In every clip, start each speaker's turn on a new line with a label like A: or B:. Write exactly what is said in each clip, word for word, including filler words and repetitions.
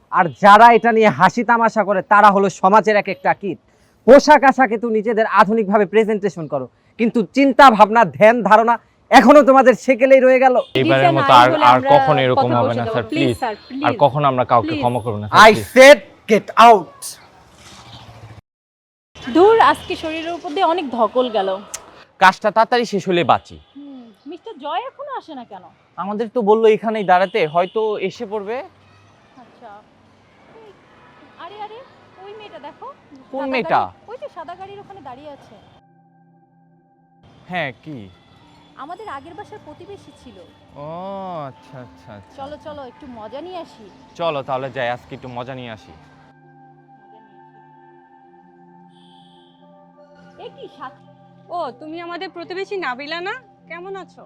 A: আর যারা এটা নিয়ে হাসি তামাশা করে তারা হলো সমাজের এক একটা কীট। পোশাক আশাকে তো নিজেদের আধুনিকভাবে প্রেজেন্টেশন করো, কিন্তু চিন্তা ভাবনা ধ্যান ধারণা এখনো তোমাদের সেকেলেই রয়ে গেল।
B: এবারের মতো আর আর কখনো এরকম হবে না স্যার, প্লিজ। আর কখনো আমরা কাউকে ক্ষমা করব না।
A: I said get out.
C: দূর, আজকে শরীরের উপর দিয়ে অনেক ধকল গেল।
B: কাজটা তাড়াতাড়ি শেষ হলে বাঁচি।
C: মিস্টার জয় এখনো আসে না কেন?
B: আমাদের তো বললো এখানেই দাঁড়াতে, হয়তো এসে পড়বে।
C: আচ্ছা, আরে আরে ওই মেয়েটা দেখো।
B: কোন মেয়েটা?
C: ওই যে সাদা গাড়ির ওখানে দাঁড়িয়ে আছে।
B: হ্যাঁ, কি?
C: আমাদের আগের বাসার প্রতিবেশী ছিল।
B: ও আচ্ছা আচ্ছা আচ্ছা।
C: চলো চলো একটু মজা নিয়ে আসি।
B: চলো তাহলে যাই, আজকে একটু মজা নিয়ে আসি।
C: এ কি সাত?
D: ও, তুমি আমাদের প্রতিবেশী নাবিলা না? কেমন আছো?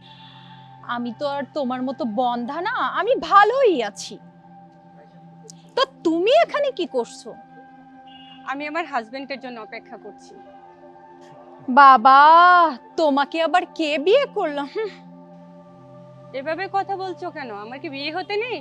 C: আমি তো আর তোমার মতো বন্ধা না, আমি ভালোই আছি। তো তুমি এখানে কি করছো?
D: আমি আমার হাজবেন্ডের জন্য অপেক্ষা করছি।
C: বাবা, তোমাকে আবার কে বিয়ে করলো?
D: এভাবে কথা বলছো কেন? আমার কি বিয়ে হতে নেই?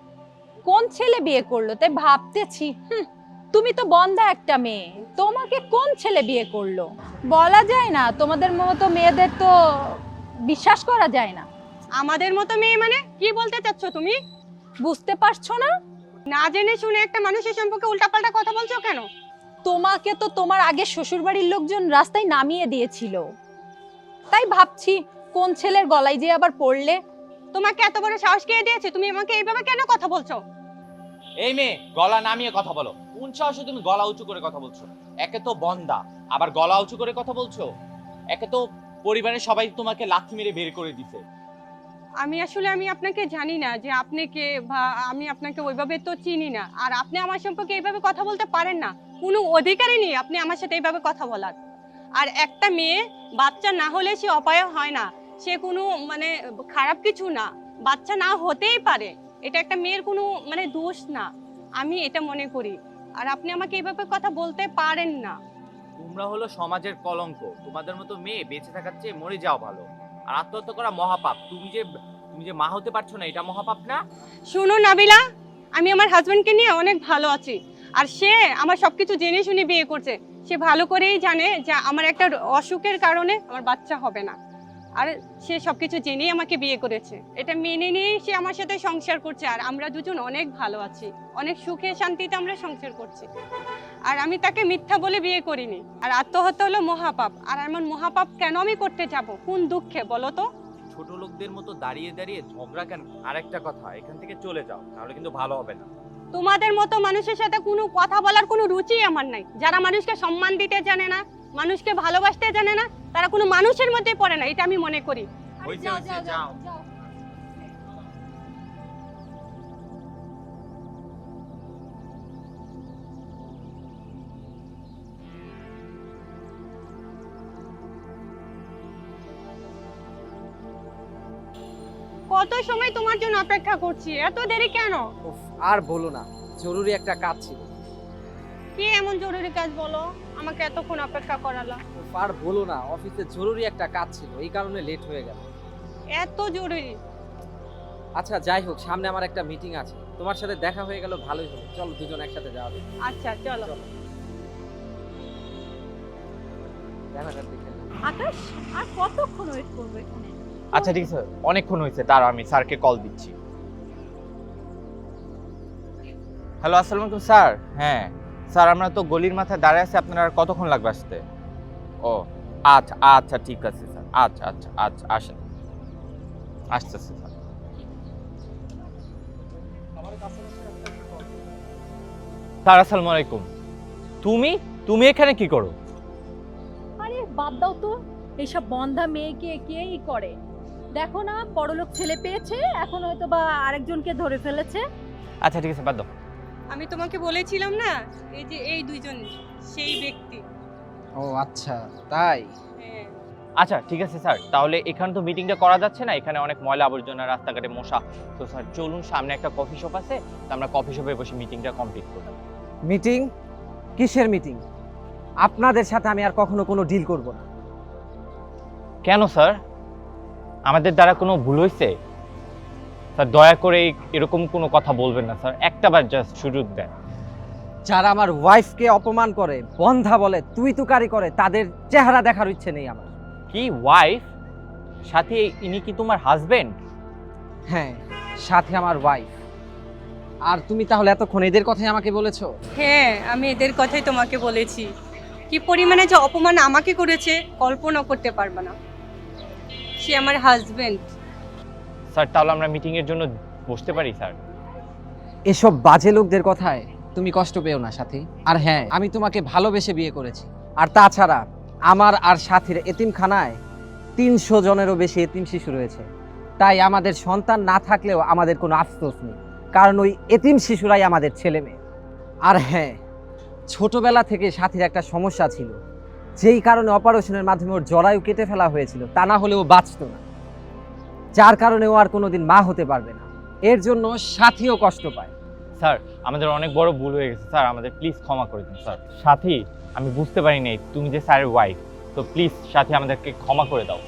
C: কোন ছেলে বিয়ে করলো তাই ভাবতেছি। হুম, তুমি তো বন্ধা একটা মেয়ে, তোমাকে কোন ছেলে বিয়ে করলো বলা যায় না। তোমাদের মতো মেয়েদের তো বিশ্বাস করা যায় না।
D: আমাদের মতো মেয়ে মানে কি বলতে চাচ্ছ তুমি?
C: বুঝতে পারছো না?
D: না জেনে শুনে একটা মানুষের সম্পর্কে উল্টাপাল্টা কথা বলছো কেন?
C: তোমাকে তো তোমার আগে শ্বশুরবাড়ির লোকজন রাস্তায় নামিয়ে দিয়েছিল, তাই ভাবছি কোন ছেলের গলায় যে আবার পড়লে।
D: তোমাকে এত বড় সাহস কে দিয়েছে? তুমি আমাকে এইভাবে কেন কথা বলছো?
B: এই মেয়ে, গলা নামিয়ে কথা বলো। কোন সাহসে তুমি গলা উঁচু করে কথা বলছো? একে তো বন্দা, আবার গলা উঁচু করে কথা বলছো। একে তো পরিবারের সবাই তোমাকে লাথি মেরে বের করে দিছে।
D: আমি আসলে আমি আপনাকে জানি না যে আপনি কে, বা আমি আপনাকে ওইভাবে তো চিনি না। আর আপনি আমার সম্পর্কে এইভাবে কথা বলতে পারেন না, কোনো অধিকারই নেই আপনি আমার সাথে এইভাবে কথা বলার। আর একটা মেয়ে বাচ্চা না হলে সে অপায় হয় না, সে কোনো মানে খারাপ কিছু না, বাচ্চা না হতেই পারে, এটা একটা মেয়ের কোনো মানে দোষ না, আমি এটা মনে করি। আর আপনি আমাকে এইভাবে কথা বলতে পারেন না।
B: তোমরা হলো সমাজের কলঙ্ক। তোমাদের মতো মেয়ে বেঁচে থাকার চেয়ে মরে যাও ভালো। আর আত্মহত্যা করা মহাপাপ। তুমি যে তুমি যে মা হতে পারছো না, এটা মহাপাপ না?
D: শুনো নাবিলা, আমি আমার হাজবেন্ডকে নিয়ে অনেক ভালো আছি। আর সে আমার সবকিছু জেনে শুনে বিয়ে করছে। সে ভালো করেই জানে যে আমার একটা অসুখের কারণে আমার বাচ্চা হবে না। আর সে সবকিছু জেনেই আমাকে বিয়ে করেছে, এটা মেনে নিয়েই সে আমার সাথে সংসার করছে। আর আমরা দুজন অনেক ভালো আছি, অনেক সুখে শান্তিতে আমরা সংসার করছি। আর আমি তাকে মিথ্যা বলে বিয়ে করিনি। আর আত্মহত্যা হলো মহাপাপ। আর এমন মহাপাপ কেন আমি করতে যাব? কোন দুঃখে বলো তো?
B: ছোট লোকদের মতো দাঁড়িয়ে দাঁড়িয়ে ঝগড়া কেন? আরেকটা কথা, এখান থেকে চলে যাও, নাহলে কিন্তু ভালো হবে না।
D: তোমাদের মতো মানুষের সাথে কোনো কথা বলার কোনো রুচি আমার নাই। যারা মানুষকে সম্মান দিতে জানে না, মানুষকে ভালোবাসতে জানে না, তারা কোনো মানুষের মধ্যে পড়ে না, এটা আমি মনে করি।
B: হইছে হইছে, যাও।
D: কত সময় তোমার জন্য অপেক্ষা করছি, এত দেরি কেন?
A: উফ, আর বলো না, জরুরি একটা কাজ ছিল।
D: কি এমন জরুরি কাজ বলো? আমাকে এতক্ষণ অপেক্ষা করালো।
A: উফ, আর বলো না, অফিসে জরুরি একটা কাজ ছিল, এই কারণে লেট হয়ে গেল।
D: এত জরুরি?
A: আচ্ছা যাই হোক, সামনে আমার একটা মিটিং আছে, তোমার সাথে দেখা হয়ে গেল, ভালোই হলো। চলো দুজন একসাথে যাওয়া যাবে।
D: আচ্ছা চলো।
A: রানাঘাট দেখে নিই।
C: আকাশ, আর কতক্ষণ ওয়েট করবো এখানে?
B: আচ্ছা ঠিক আছে, অনেকক্ষণ হয়েছে, তার আমি স্যারকে কল দিচ্ছি। হ্যালো, আসসালামু আলাইকুম স্যার। হ্যাঁ স্যার, আমরা তো গলির মাথায় দাঁড়িয়ে আছি, আপনার আর কতক্ষণ লাগবে আসতে? ও আচ্ছা আচ্ছা ঠিক আছে স্যার, আচ্ছা আচ্ছা আচ্ছা আসেন, আসতেছে স্যার। স্যার আসসালামু আলাইকুম। তুমি তুমি এখানে কি করো?
C: আরে বাদ দাও তো, এইসব বন্ধা মেয়েকে কেই করে। দেখো না, বড়লোক ছেলে পেয়েছে, এখন হয়তো বা আরেকজনকে ধরে ফেলেছে।
B: আচ্ছা ঠিক আছে, বাদ দাও।
D: আমি তোমাকে বলেছিলাম না, এই যে এই দুইজন সেই ব্যক্তি।
A: ও আচ্ছা তাই।
D: হ্যাঁ।
B: আচ্ছা ঠিক আছে স্যার, তাহলে এখানে তো মিটিংটা করা যাচ্ছে না, এখানে অনেক ময়লা আবর্জনা, রাস্তাঘাটে মশা। তো স্যার চলুন, সামনে একটা কফি শপ আছে, তো আমরা কফি শপে বসে মিটিংটা কমপ্লিট করব।
A: মিটিং? কিসের মিটিং? আপনাদের সাথে আমি আর কখনো কোনো ডিল করব না।
B: কেন স্যার, আমাদের দ্বারা কোনো ভুল হয়েছে? স্যার দয়া করে এই- এরকম কোনো কথা বলবেন না স্যার, একটাবার জাস্ট সুযোগ দেন।
A: যারা আমার ওয়াইফকে অপমান করে, বন্ধা বলে, তুই তুকারি করে, তাদের চেহারা দেখার ইচ্ছে নেই আমার।
B: কি ওয়াইফ? সাথী ইনি কি তোমার হাজবেন্ড?
A: হ্যাঁ, সাথে আমার ওয়াইফ। আর তুমি তাহলে এতক্ষণ এদের কথাই আমাকে বলেছো?
D: হ্যাঁ, আমি এদের কথাই তোমাকে বলেছি। কি পরিমাণে যে অপমান আমাকে করেছে কল্পনা করতে পারবে না। সে আমার হাজবেন্ড।
B: স্যার তাহলে আমরা মিটিং এর জন্য বসতে পারি স্যার?
A: এসব বাজে লোকদের কথায় তুমি কষ্ট পেও না সাথী। আর হ্যাঁ, আমি তোমাকে ভালোবেসে বিয়ে করেছি। আর তাছাড়া আমার আর সাথীর এতিমখানায় তিনশো জনেরও বেশি এতিম শিশু রয়েছে। তাই আমাদের সন্তান না থাকলেও আমাদের কোনো আফসোস নেই, কারণ ওই এতিম শিশুরাই আমাদের ছেলে মেয়ে। আর হ্যাঁ, ছোটবেলা থেকে সাথীর একটা সমস্যা ছিল, যেই কারণে অপারেশনের মাধ্যমে ওর জরায়ু কেটে ফেলা হয়েছিল, তা না হলে ও বাঁচত না, যার কারণে ও আর কোনোদিন মা হতে পারবে না। এর জন্য সাথীও কষ্ট পায়।
B: স্যার আমাদের অনেক বড় ভুল হয়ে গেছে স্যার, আমাদের প্লিজ ক্ষমা করে দিন স্যার। সাথী আমি বুঝতে পারি নাই তুমি যে স্যারের ওয়াইফ, তো প্লিজ সাথী আমাদেরকে ক্ষমা করে দাও।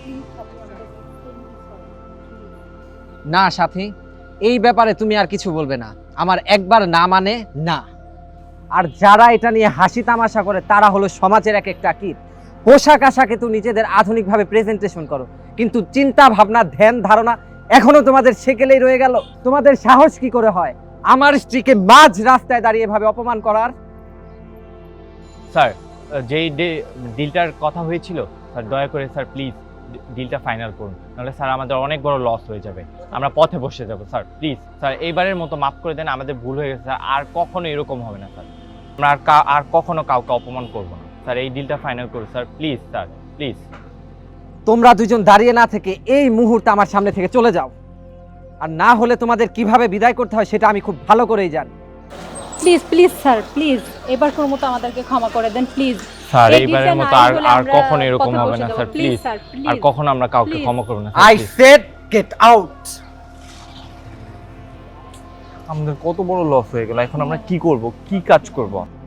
A: না সাথী, এই ব্যাপারে তুমি আর কিছু বলবে না। আমার একবার না মানে না। আর যারা এটা নিয়ে হাসি তামাশা করে তারা হলো সমাজের এক একটা কীট। পোশাক আশাকে তো নিজেদের আধুনিকভাবে প্রেজেন্টেশন করো, কিন্তু চিন্তা ভাবনা ধ্যান ধারণা এখনো তোমাদের সেকেলেই রয়ে গেল। তোমাদের সাহস কি করে হয় আমার স্ত্রীকে মাঝ রাস্তায় দাঁড়িয়ে ভাবে অপমান করার?
B: স্যার যেই ডিলটার কথা হয়েছিল স্যার, দয়া করে স্যার প্লিজ ডিলটা ফাইনাল করুন, নাহলে স্যার আমাদের অনেক বড় লস হয়ে যাবে, আমরা পথে বসে যাব স্যার। প্লিজ স্যার এইবারের মতো মাফ করে দেন, আমাদের ভুল হয়ে গেছে স্যার, আর কখনো এরকম হবে না স্যার। আমরা আর কা- আর কখনো কাউকে অপমান করব না স্যার। এই ডিলটা ফাইনাল করুন স্যার, প্লিজ স্যার প্লিজ।
A: তোমরা দুজন দাঁড়িয়ে না থেকে এই মুহূর্তে আমার সামনে থেকে চলে যাও, আর না হলে তোমাদের কিভাবে বিদায় করতে হয় সেটা আমি খুব ভালো করেই জানি।
C: প্লিজ প্লিজ স্যার, প্লিজ এবার কোন মতো আমাদেরকে ক্ষমা করে দেন প্লিজ।
B: স্যার
C: এই
B: এইবারের
C: ডিলটা
B: মতো
C: নাই
B: আর
C: বলে
B: আর
C: আমরা
B: কখনো এরকম
C: পথে
B: হবে
C: বসে
B: না
C: যাবো।
B: Sir,
C: please
B: please.
C: স্যার,
B: আর
C: প্লিজ।
B: কখনো আমরা কাউকে
C: Please.
B: ক্ষমা করব না
A: I
B: sir, please।
A: Said get out.
B: আমাদের কত বড় লস হয়ে গেল, এখন আমরা কি করব, কি কাজ করব?